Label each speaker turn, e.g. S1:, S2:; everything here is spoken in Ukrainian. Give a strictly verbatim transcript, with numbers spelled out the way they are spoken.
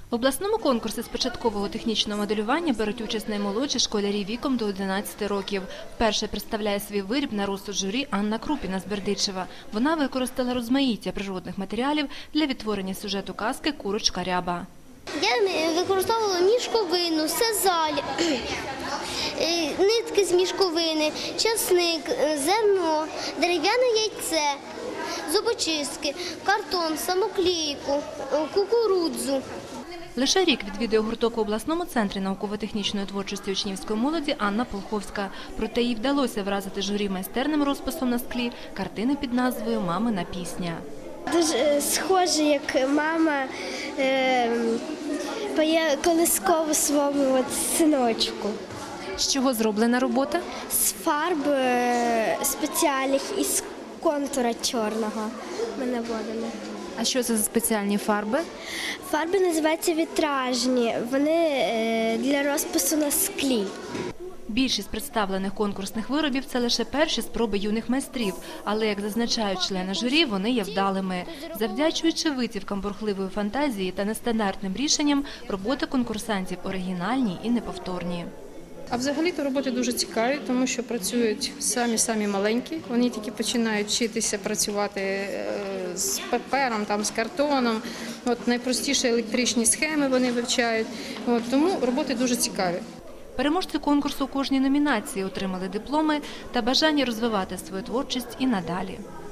S1: В обласному конкурсі з початкового технічного моделювання беруть участь наймолодші школярі віком до одинадцяти років. Вперше представляє свій виріб на розсуд журі Анна Крупіна з Бердичева. Вона використала розмаїття природних матеріалів для відтворення сюжету казки «Курочка Ряба».
S2: Я використовувала мішковину, сазаль, нитки з мішковини, часник, зерно, дерев'яне яйце, зубочистки, картон, самоклейку, кукурудзу.
S1: Лише рік відвідує гурток у обласному центрі науково-технічної творчості учнівської молоді Анна Полховська. Проте їй вдалося вразити журі майстерним розписом на склі картини під назвою «Мамина пісня».
S3: Дуже схоже, як мама е, поє колискову своєму от синочку.
S1: З чого зроблена робота?
S3: З фарб е, спеціальних і з контура чорного ми наводимо.
S1: А що це за спеціальні фарби?
S3: Фарби називаються вітражні, вони е, для розпису на склі.
S1: Більшість представлених конкурсних виробів – це лише перші спроби юних майстрів, але, як зазначають члени журі, вони є вдалими. Завдячуючи витівкам бурхливої фантазії та нестандартним рішенням, роботи конкурсантів оригінальні і неповторні.
S4: А взагалі-то роботи дуже цікаві, тому що працюють самі-самі маленькі. Вони тільки починають вчитися працювати з папером, там, з картоном. От найпростіші електричні схеми вони вивчають. От, тому роботи дуже цікаві.
S1: Переможці конкурсу у кожній номінації отримали дипломи та бажання розвивати свою творчість і надалі.